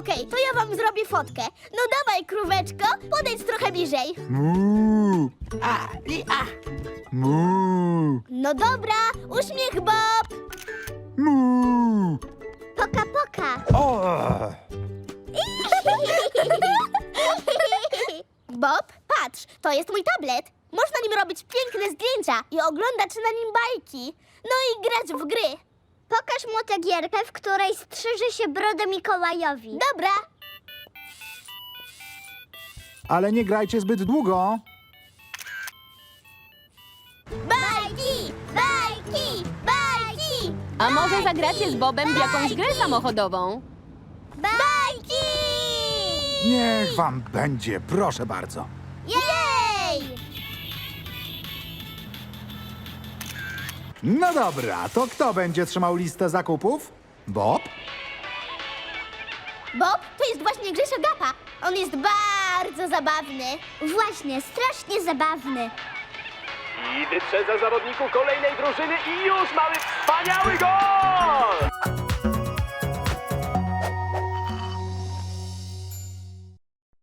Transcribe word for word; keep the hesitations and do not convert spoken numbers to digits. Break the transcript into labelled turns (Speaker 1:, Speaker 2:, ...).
Speaker 1: Okej, to ja wam zrobię fotkę. No dawaj, króweczko, podejdź trochę bliżej.
Speaker 2: Mu,
Speaker 3: A, i a.
Speaker 2: mu,
Speaker 1: No dobra, uśmiech Bob.
Speaker 2: mu.
Speaker 1: Poka, poka.
Speaker 2: O!
Speaker 1: Bob, patrz, to jest mój tablet. Można nim robić piękne zdjęcia i oglądać na nim bajki. No i grać w gry.
Speaker 4: Pokaż mu tę gierkę, w której strzyże się brodę Mikołajowi.
Speaker 1: Dobra.
Speaker 2: Ale nie grajcie zbyt długo.
Speaker 1: Bajki, bajki, bajki,
Speaker 5: A może zagracie z Bobem w jakąś grę samochodową?
Speaker 1: bajki!
Speaker 2: Niech wam będzie, proszę bardzo.
Speaker 1: Jej!
Speaker 2: No dobra, to kto będzie trzymał listę zakupów? Bob?
Speaker 1: Bob, to jest właśnie Grzesio Gapa. On jest bardzo zabawny.
Speaker 4: Właśnie, strasznie zabawny.
Speaker 6: I wyprzedza zawodników kolejnej drużyny i już mamy wspaniały gol!